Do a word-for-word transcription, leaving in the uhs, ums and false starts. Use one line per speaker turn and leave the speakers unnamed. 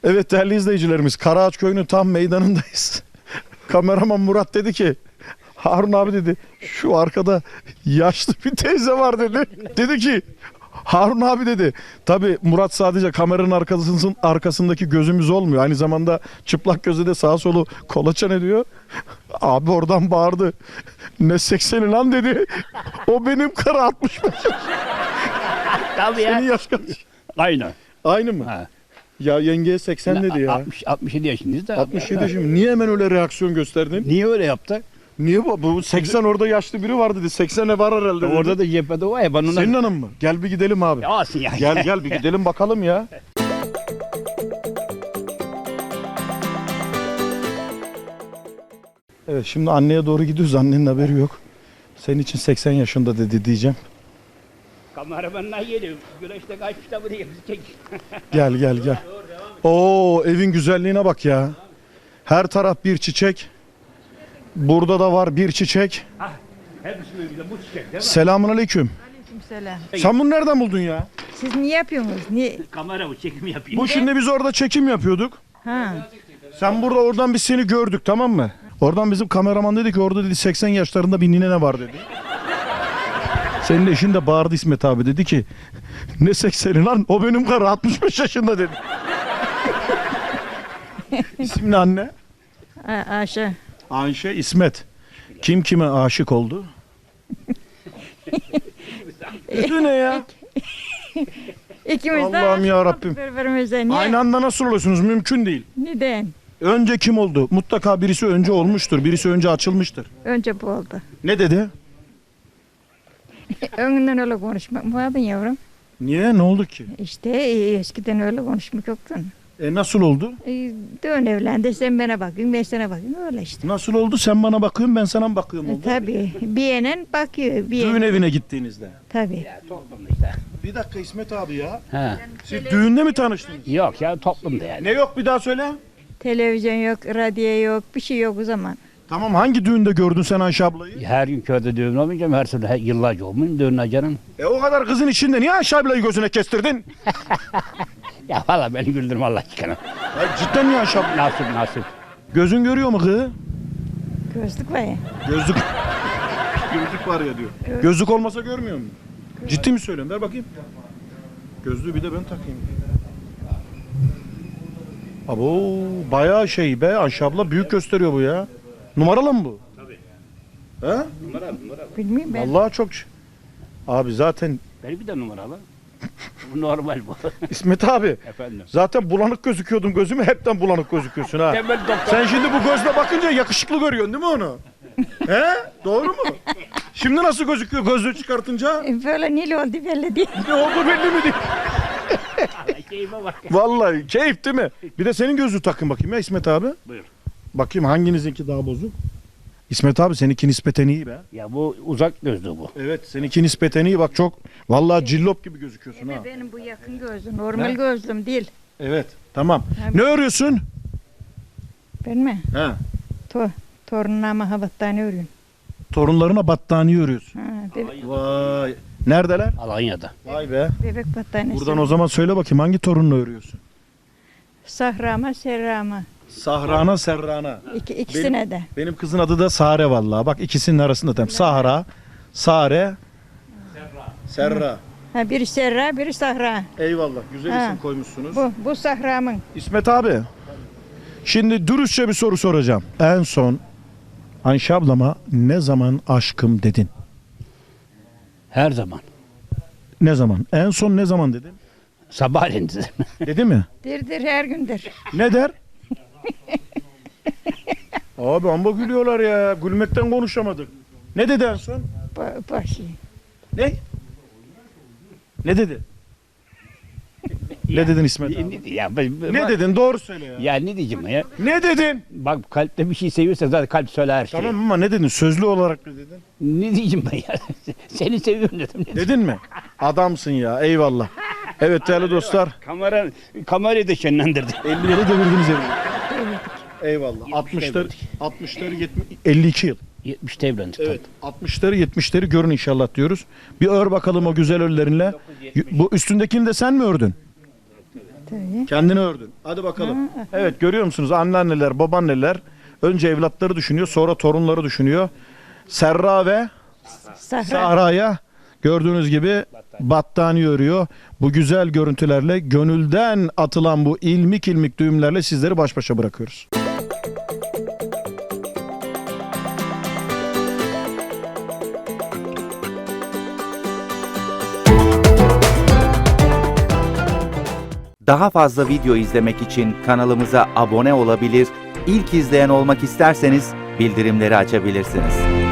Evet değerli izleyicilerimiz, Karaağaç Köyü'nün tam meydanındayız. Kameraman Murat dedi ki, Harun abi dedi, şu arkada yaşlı bir teyze var dedi. Dedi ki, Harun abi dedi. Tabi Murat sadece kameranın arkasının arkasındaki gözümüz olmuyor. Aynı zamanda çıplak gözü de sağa solu kolaçan ediyor. Abi oradan bağırdı. Ne sekseni lan dedi. O benim karı altmış beş.
Tabii ya.
Senin yaş kaç?
Aynı.
Aynı mı?
Ha.
Ya yengeye seksen dedi ya.
altmış, altmış yedi yaşındayız da.
altmış yedi şimdi. Niye hemen öyle reaksiyon gösterdin?
Niye öyle yaptı?
Niye bu? Bu seksen orada yaşlı biri var dedi. seksene var herhalde dedi.
Orada da cephede var ya ben ona...
Senin hanım mı? Gel bir gidelim abi.
Alsın ya.
Gel gel bir gidelim bakalım ya. Evet şimdi anneye doğru gidiyoruz. Annenin haberi yok. Senin için seksen yaşında dedi diyeceğim.
Kameramanlar geliyor. Güneşte kaçmış da buraya bizi çek.
Gel gel gel. Oo evin güzelliğine bak ya. Her taraf bir çiçek. Burada da var bir çiçek.
Hepsi böyle bu çiçek değil mi?
Selamun aleyküm.
Selam.
Sen bunu nereden buldun ya?
Siz niye yapıyorsunuz? Niye?
Kamera bu çekim yapayım.
Bu şimdi biz orada çekim yapıyorduk.
Ha.
Sen burada oradan biz seni gördük tamam mı? Oradan bizim kameraman dedi ki orada dedi seksen yaşlarında bir nine var dedi. Senin eşin de bağırdı İsmet abi dedi ki ne sekseni lan o benim karı altmış beş yaşında dedi. İsim ne anne?
A Ayşe.
Ayşe İsmet. Kim kime aşık oldu? Bu ne ya?
İkimiz de
Allah'ım
aşık
ya
olduk
Rabbim.
birbirimize. Niye?
Aynı anda nasıl oluyorsunuz? Mümkün değil.
Neden?
Önce kim oldu? Mutlaka birisi önce olmuştur. Birisi önce açılmıştır.
Önce bu oldu.
Ne dedi?
Önünden öyle konuşmak mı vardın yavrum?
Niye? Ne oldu ki?
İşte e, eskiden öyle konuşmak yoktun.
E nasıl oldu?
E, dön evlendi sen bana bakayım ben sana bakayım öyle işte.
Nasıl oldu? Sen bana bakıyorsun ben sana mı bakıyorum
E,
oldu?
tabii bir yenen bakıyor. Bir
Düğün
yenen.
evine gittiğinizde.
Tabii.
Toplumda işte.
Bir dakika İsmet abi ya.
Ha.
Siz düğünde mi tanıştınız?
Yok ya toplumda yani.
Ne yok bir daha söyle.
Televizyon yok, radyo yok, bir şey yok o zaman.
Tamam hangi düğünde gördün sen Ayşe ablayı?
Her gün köyde düğün olmayacağım. Her sene yıllarca olmayayım düğün canım.
E o kadar kızın içinde niye Ayşe ablayı gözüne kestirdin?
Ya valla beni güldürme Allah aşkına.
Ya cidden niye Ayşe abla?
Nasip nasip.
Gözün görüyor mu kız?
Gözlük var ya.
Gözlük. Gözlük var ya diyor. Gözlük olmasa görmüyor musun? Ciddi mi söylüyorum? Ver bakayım. Gözlüğü bir de ben takayım. Abo bayağı şey be Ayşe abla büyük gösteriyor bu ya. Numaralı mı bu?
Tabii.
He?
Numara numara.
Bilmiyorum ben.
Vallahi çok ş- Abi zaten
Benim bir de numaralı. Bu normal bu.
İsmet abi
Efendim.
zaten bulanık gözüküyordun gözüme hepten bulanık gözüküyorsun ha.
Temel doktor.
Sen şimdi bu gözle bakınca yakışıklı görüyorsun değil mi onu? He? Doğru mu? Şimdi nasıl gözüküyor gözlüğü çıkartınca?
E, Böyle nil oldu belli değil.
Ne oldu belli mi değil?
Keyime bak.
Vallahi keyif değil mi? Bir de senin gözlüğü takın bakayım ya İsmet abi.
Buyur.
Bakayım hanginizinki daha bozuk? İsmet abi seninki nispeten iyi be.
Ya bu uzak gözlü bu.
Evet seninki nispeten iyi bak çok. Vallahi cillop gibi gözüküyorsun ha.
Benim bu yakın gözlüm, normal
Ne?
gözlüm değil.
Evet tamam.
Abi.
Ne örüyorsun?
Ben mi?
He.
To torunlarıma havattane örüyorum.
Torunlarına battaniye örüyorsun.
Ha, be
Vay. Neredeler?
Alanya'da.
Vay be.
bebek battaniyesi.
Buradan o zaman söyle bakayım hangi torunla örüyorsun?
Sahrama, serrama.
Sahrana Serrana.
İki, ikisine de.
Benim kızın adı da Sare vallahi. Bak ikisinin arasında tam. Sahra, Sare, Serra. Serra.
Ha, biri serra, biri sahra.
Eyvallah. Güzel
Ha.
isim koymuşsunuz.
Bu, bu sahramın.
İsmet abi. Şimdi dürüstçe bir soru soracağım. En son Ayşe ablama ne zaman aşkım dedin?
Her zaman.
Ne zaman? En son ne zaman dedin?
Sabahleyin dedim.
Dedi mi?
Dirdir her gündür.
Ne der? Abi amba gülüyorlar ya. Gülmekten konuşamadık. Ne dedi en son?
Ba başı.
Ne? Ne dedi? Ne dedin İsmet abi?
Ne, ya, ben-
Ne
bak-
dedin? Doğru söyle ya.
Ya ne diyeceğim ya?
Ne dedin?
Bak kalpte bir şey seviyorsa zaten kalp söyler her şeyi.
Tamam ama ne dedin? Sözlü olarak ne dedin?
Ne diyeceğim ben ya? Seni seviyorum dedim.
Dedin mi? Adamsın ya. Eyvallah. Evet değerli dostlar.
Kamera, kamerayı da şenlendirdi.
ellileri devirdiniz evi. Eyvallah. altmışlar,
devirdik.
altmışları yetmiş, elli iki yıl.
yetmişte evlendik.
Evet. altmışları yetmişleri görün inşallah diyoruz. Bir ör bakalım o güzel örlerinle. Bu üstündekini de sen mi ördün?
Tabii.
Kendini ördün. Hadi bakalım. Evet, görüyor musunuz? Anneanneler, babaanneler önce evlatları düşünüyor, sonra torunları düşünüyor. Serra ve
Sahra.
Sahra'ya gördüğünüz gibi battaniye örüyor. Bu güzel görüntülerle, gönülden atılan bu ilmik ilmik düğümlerle sizleri baş başa bırakıyoruz.
Daha fazla video izlemek için kanalımıza abone olabilir, ilk izleyen olmak isterseniz bildirimleri açabilirsiniz.